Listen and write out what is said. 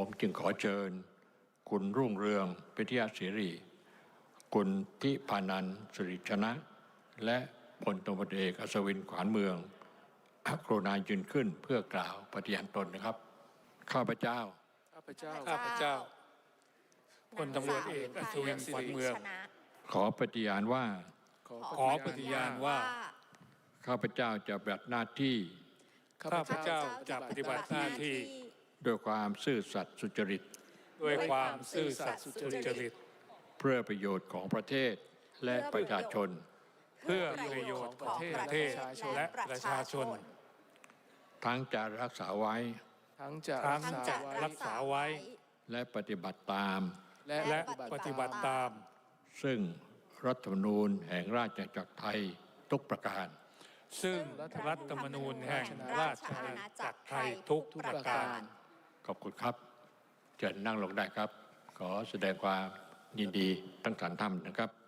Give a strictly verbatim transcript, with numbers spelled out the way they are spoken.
ผมจึงขอเชิญคุณรุ่งเรืองพิทยาศิริคุณทิพานันท์สิริชนะและพลตำรวจเอกอัศวินขวานเมืองกรุณายืนขึ้นเพื่อกล่าวปฏิญาณตนนะครับข้าพเจ้าข้าพเจ้าข้าพเจ้าพลตำรวจเอกอัศวินขวัญเมืองขอปฏิญาณว่าขอปฏิญาณว่าข้าพเจ้าจะปฏิบัติหน้าที่ข้าพเจ้าจะปฏิบัติหน้าที่ด้วยความซื่อสัตย์สุจริตด้วยความซื่อสัตย์สุจริตเพื่อประโยชน์ของประเทศและประชาชนเพื่อประโยชน์ของประเทศและประชาชนทั้งจะรักษาไว้ทั้งจะรักษาไว้และปฏิบัติตามและปฏิบัติตามซึ่งรัฐธรรมนูญแห่งราชอาณาจักรไทยทุกประการซึ่งรัฐธรรมนูญแห่งราชอาณาจักรไทยทุกประการขอบคุณครับเชิญนั่งลงได้ครับขอแสดงความยินดีทั้งสามท่านนะครับ